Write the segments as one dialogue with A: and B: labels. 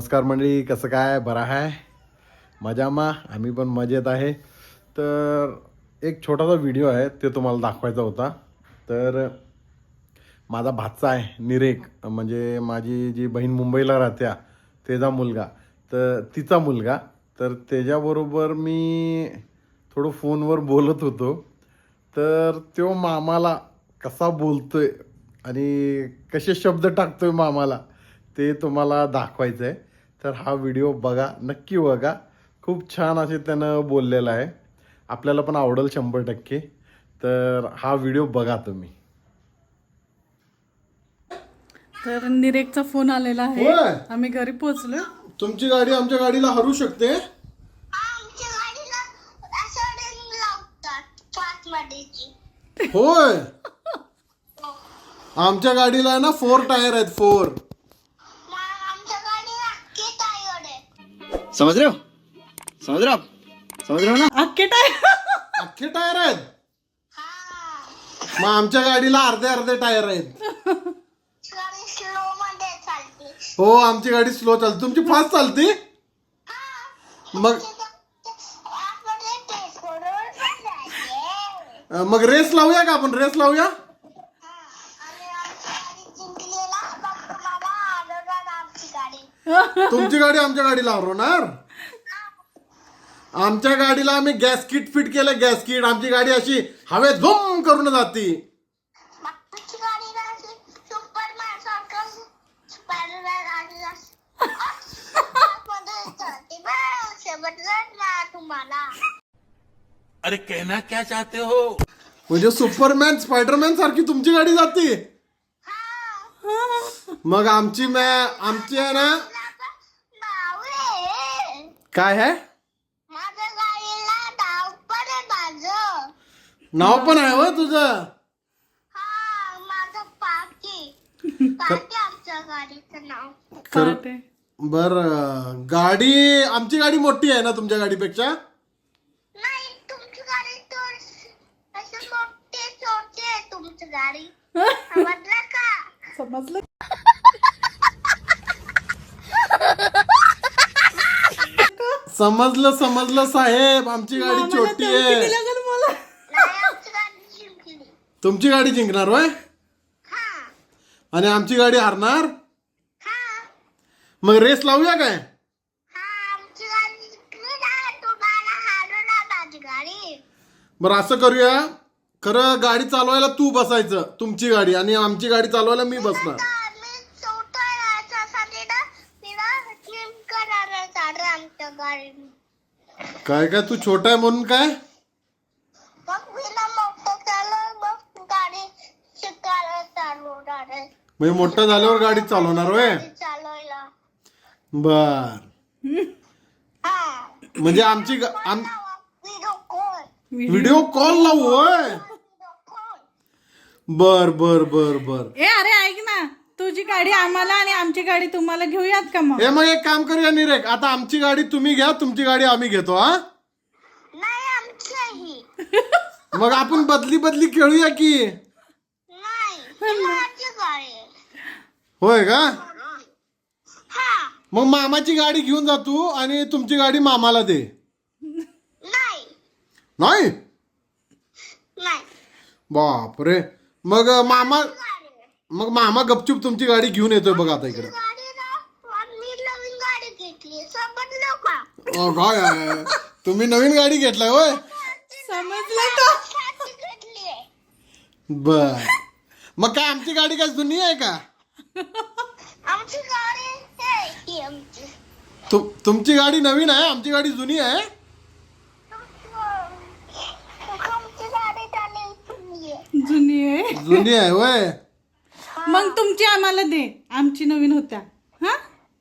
A: नमस्कार मंडळी, कसं काय, बरं आहे? मजामा? आम्ही पण मजेत आहे. तर एक छोटासा व्हिडिओ आहे, ते तुम्हाला दाखवायचा होता. तर माझा भाचा आहे निरेक, म्हणजे माझी जी बहीण मुंबईला राहत्या त्याचा मुलगा, तर तिचा मुलगा. तर त्याच्याबरोबर मी थोडं फोनवर बोलत होतो. तर तो मामाला कसा बोलतोय आणि कसे शब्द टाकतोय मामाला, ते तुम्हाला दाखवायचं आहे. तर हा व्हिडिओ बघा, नक्की बघा. खूप छान असे त्यानं बोललेलं आहे, आपल्याला पण आवडेल 100%. तर हा व्हिडिओ बघा तुम्ही.
B: तर निरेकचा फोन आलेला आहे.
A: होय.
B: आम्ही घरी पोहोचलो.
A: तुमची गाडी आमच्या गाडीला हरू शकते.
C: आमच्या गाडीला असं रिंग लावतात पाच मध्येची.
A: होय, आमच्या गाडीला आहे ना 4 टायर आहेत, 4.
C: मग आमच्या गाडीला अख्खे टायर आहे.
D: समझ रहे हो समझ रहे हो आप समझ रहे हो ना
B: अख्खे टायर.
A: अख्खे टायर आहेत.
C: हा,
A: मग आमच्या गाडीला अर्धे अर्धे टायर आहेत.
C: गाडी स्लो मध्ये चालते.
A: हो, आमची गाडी स्लो चालते, तुमची फास्ट चालते. मग
C: आपण टेस्ट करून जायचे.
A: मग रेस लावूया का आपण? रेस लावूया.
C: आणि आमची गाडी जिंकलेला मग तुम्हाला आढळणार आमची गाडी.
A: तुमची गाडी आमच्या गाडीला हरवणार. आमच्या गाडीला आम्ही गॅस किट फिट केलं, गॅस किट. आमची गाडी अशी हवे झोम करून जाती.
C: मग तुमची गाडीला अशी सुपरमॅन सारखं स्पायडरमॅन आणि मध्ये चालते. बस समजलं ना तुम्हाला?
E: अरे कहना क्या चाहते हो?
A: म्हणजे सुपरमॅन स्पायडरमॅन सारखी तुमची गाडी जाते. मग आमची आहे ना,
C: नाव आहे.
A: काय आहे?
C: माझ्या गाडीला नाव पण आहे माझं.
A: नाव पण आहे हो तुझं?
C: हा, माझं पाकी आमच्या गाडीचं नाव.
B: पहाटे.
A: बर, गाडी आमची गाडी मोठी आहे ना तुमच्या गाडीपेक्षा?
C: नाही, तुमची गाडी तर अशी मोठी छोटी आहे तुमची गाडी. समजलं का?
B: समजलं.
A: समजलं साहेब, आमची गाडी
B: मामाला
A: छोटी
B: धमकी
A: आहे.
B: दिली असेल मला.
C: नाही, आमची गाडी जिंकली.
A: तुमची गाडी जिंकणार होय,
C: हा
A: आणि आमची गाडी हारणार.
C: हा
A: मग रेस लावूया काय?
C: हा, आमची गाडी जिंकली ना, तुम्हाला हारवणार माझी गाडी.
A: बरं, असं करूया. खरं गाडी चालवायला तू बसायचं, तुमची गाडी, आणि आमची गाडी चालवायला मी बसणार.
C: आता मी चौथा याच्यासाठी ना तिला जिम करायला चालू आमच्या गाडीने.
A: काय तू छोटा आहे म्हणून काय?
C: मग मी ना मोठं चालव, मग गाडी शिकायला चालवणार आहे.
A: म्हणजे मोठं झाल्यावर गाडी चालवणार होय.
C: गाडी चालवायला.
A: बर,
C: हा,
A: म्हणजे आमची
C: व्हिडिओ कॉल.
A: व्हिडिओ कॉल लावू होय. बर बर बर बर.
B: ए अरे ऐक ना, तुझी गाडी आम्हाला आणि आमची गाडी तुम्हाला घेऊयात का मग?
A: हे मग एक काम करूया निरेक, आता आमची गाडी तुम्ही घ्या, तुमची गाडी आम्ही घेतो. हा,
C: नाही, आमची
A: मग आपण बदली खेळूया की.
C: नाही, माझी गाडी आहे.
A: होय का?
C: हा,
A: मग मामाची गाडी घेऊन जा तू, आणि तुमची गाडी मामाला दे.
C: नाही
A: नाही?
C: नाही,
A: बापरे. मग मामा
C: गाडी आहे.
A: मग मामा गपचूप तुमची गाडी घेऊन येतोय बघा आता इकडे.
C: गाडी ना, मी नवीन गाडी घेतली, समजलं का?
A: काय आहे? तुम्ही नवीन गाडी घेतलाय होय?
B: समजलं का?
C: साठी घेतली आहे.
A: बर, मग काय आमची गाडी काय जुनी आहे का?
C: आमची गाडी आहे ही आमची.
A: तुमची गाडी नवीन आहे, आमची गाडी जुनी आहे.
C: आमची गाडी चालली आहे.
B: जुनी आहे.
A: जुनी आहे होय.
B: मग तुमची आम्हाला दे, आमची नवीन होत्या. हा,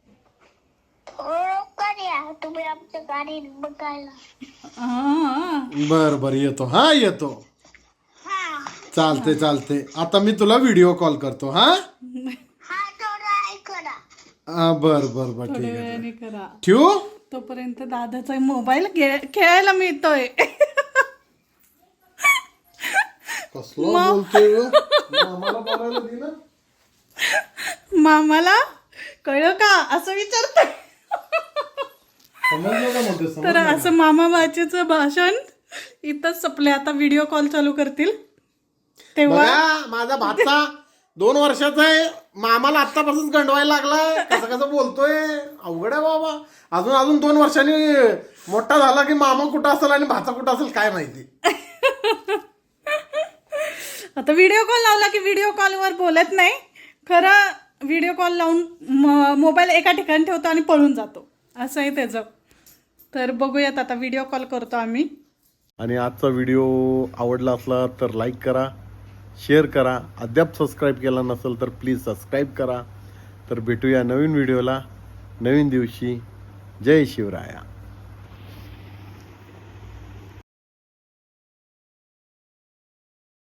C: लवकर या तुम्ही आमच्या गाडी बघायला.
B: हा.
A: बर येतो. हा, येतो.
C: हा
A: चालते. आता मी तुला व्हिडिओ कॉल करतो. हा,
C: हा, थोडं ऐकला.
A: बर ठीक
B: थोड्या
A: आहे.
B: वेळाने करा.
A: ठेवू?
B: तोपर्यंत दादाचा मोबाईल खेळायला मिळतोय.
A: कसला बोलतोय हो? मामाला बोलायला दे ना.
B: मामाला कळलं का असं विचारतोय.
A: समजलं का म्हणते
B: तर असं मामा बाचीचं भाषण इथंच संपले. आता व्हिडिओ कॉल चालू करतील तेव्हा
A: बघा माझा भाचा 2 वर्षाचा आहे, मामाला आत्तापासून गंडवायला लागलाय. कसं कसं बोलतोय, अवघड आहे बाबा. अजून 2 वर्षांनी मोठा झाला की मामा कुठं असेल आणि भाचा कुठं असेल काय माहिती.
B: आता व्हिडिओ कॉल लावला की व्हिडिओ कॉलवर बोलत नाही. खरं व्हिडिओ कॉल लावून मोबाईल एका ठिकाणी ठेवतो आणि पळून जातो, असं आहे त्याचं. तर बघूयात आता व्हिडिओ कॉल करतो आम्ही.
A: आणि आजचा व्हिडिओ आवडला असला तर लाईक करा, शेअर करा. अद्याप सबस्क्राईब केला नसेल तर प्लीज सबस्क्राईब करा. तर भेटूया नवीन व्हिडिओला नवीन दिवशी. जय शिवराया.